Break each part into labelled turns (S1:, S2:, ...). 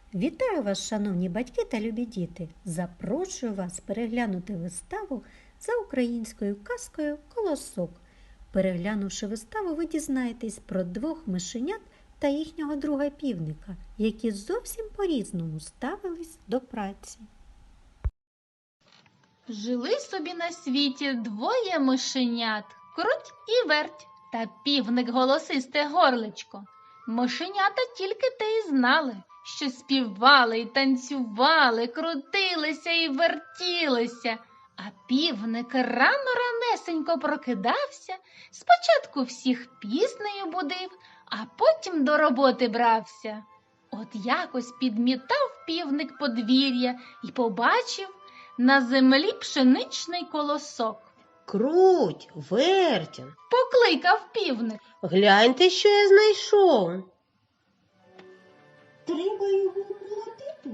S1: Вітаю вас, шановні батьки та любі діти! Запрошую вас переглянути виставу за українською казкою «Колосок». Переглянувши виставу, ви дізнаєтесь про двох мишенят та їхнього друга півника, які зовсім по-різному ставились до праці.
S2: Жили собі на світі двоє мишенят – Круть і Верть та півник Голосисте Горличко. Мишенята тільки те й знали, що співали й танцювали, крутилися й вертілися. А півник рано-ранесенько прокидався, спочатку всіх піснею будив, а потім до роботи брався. От якось підмітав півник подвір'я і побачив на землі пшеничний колосок.
S3: Круть, Верть,
S2: Покликав півник.
S3: гляньте, що я знайшов.
S4: Треба його молотити.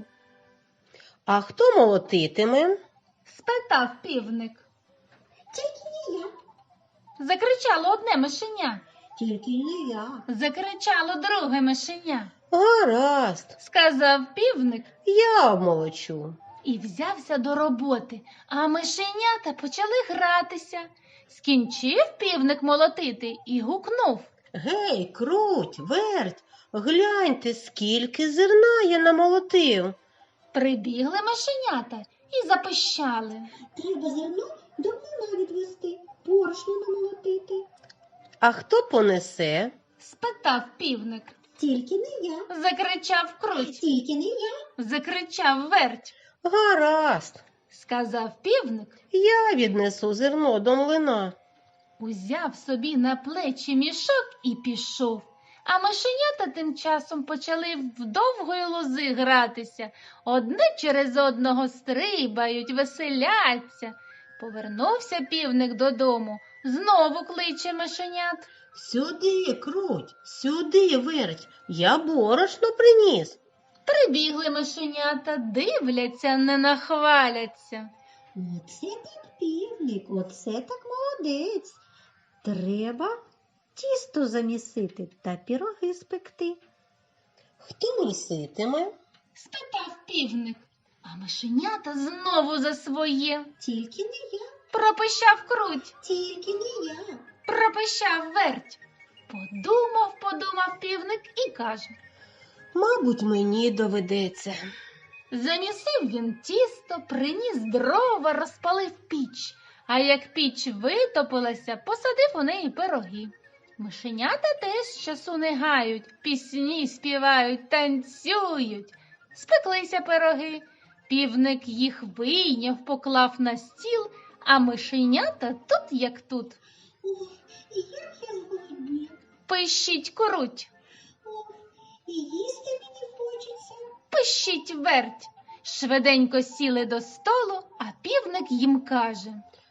S3: А хто молотитиме?
S2: Спитав півник.
S4: Тільки не я,
S2: Закричало одне мишеня.
S4: тільки не я.
S2: Закричало друге мишеня.
S3: Гаразд,
S2: Сказав півник
S3: я обмолочу.
S2: і взявся до роботи, а мишенята почали гратися. Скінчив півник молотити і гукнув.
S3: Гей, Круть, Верть, гляньте, скільки зерна я намолотив.
S2: Прибігли мишенята і запищали.
S4: Треба зерно до млина відвести, борошно намолотити.
S3: А хто понесе?
S2: Спитав півник.
S4: Тільки не я,
S2: Закричав Круть.
S4: тільки не я.
S2: Закричав Верть.
S3: Гаразд,
S2: Сказав півник.
S3: я віднесу зерно до млина.
S2: Узяв собі на плечі мішок і пішов. А мишенята тим часом почали в довгої лози гратися. Одне через одного стрибають, веселяться. Повернувся півник додому, знову кличе мишенят.
S3: Сюди, Круть, сюди, Верть, я борошно приніс.
S2: Прибігли мишенята, дивляться, не нахваляться.
S4: Оце так півник, оце так молодець.
S1: Треба тісто замісити та піроги спекти.
S3: Хто міситиме?
S2: Спитав півник. А мишенята знову за своє.
S4: Тільки не я,
S2: Пропищав Круть.
S4: тільки не я.
S2: Пропищав Верть. Подумав півник і каже.
S3: Мабуть, мені доведеться.
S2: Замісив він тісто, приніс дрова, розпалив піч. А як піч витопилася, посадив у неї пироги. Мишенята теж часу не гають, пісні співають, танцюють. Спеклися пироги. Півник їх вийняв, поклав на стіл, а мишенята тут як тут.
S4: Ох, і як я зголодніла.
S2: Пищить Круть.
S4: Ох, і їсти мені хочеться.
S2: Пищить Верть. Швиденько сіли до столу, а півник їм каже.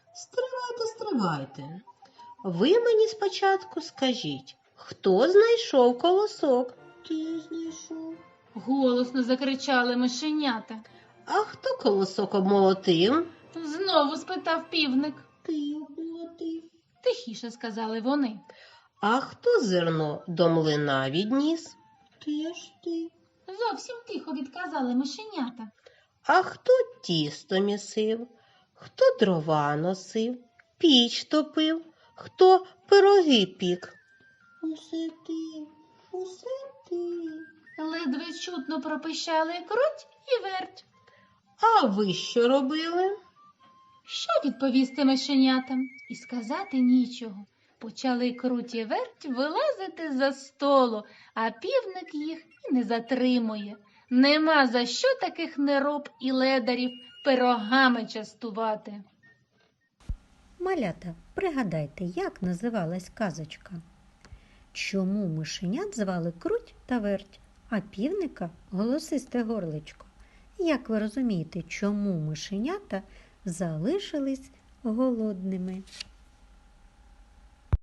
S3: Стривайте. Ви мені спочатку скажіть, хто знайшов колосок?
S4: Ти знайшов.
S2: Голосно закричали мишенята.
S3: А хто колосок обмолотив?
S2: Знову спитав півник.
S4: Ти обмолотив.
S2: Тихіше сказали вони.
S3: А хто зерно до млина відніс?
S4: Теж ти.
S2: Зовсім тихо відказали мишенята.
S3: А хто тісто місив? Хто дрова носив? Піч топив? Хто пироги пік?
S4: Усе ти, усе ти.
S2: Ледве чутно пропищали Круть і Верть.
S3: А ви що робили?
S2: Що відповісти мишенятам? І сказати нічого. Почали Круть і Верть вилазити за столу, а півник їх і не затримує. Нема за що таких нероб і ледарів пирогами частувати.
S1: Малята, пригадайте, як називалась казочка? Чому мишенят звали Круть та Верть, а півника – Голосисте Горличко? Як ви розумієте, чому мишенята залишились голодними?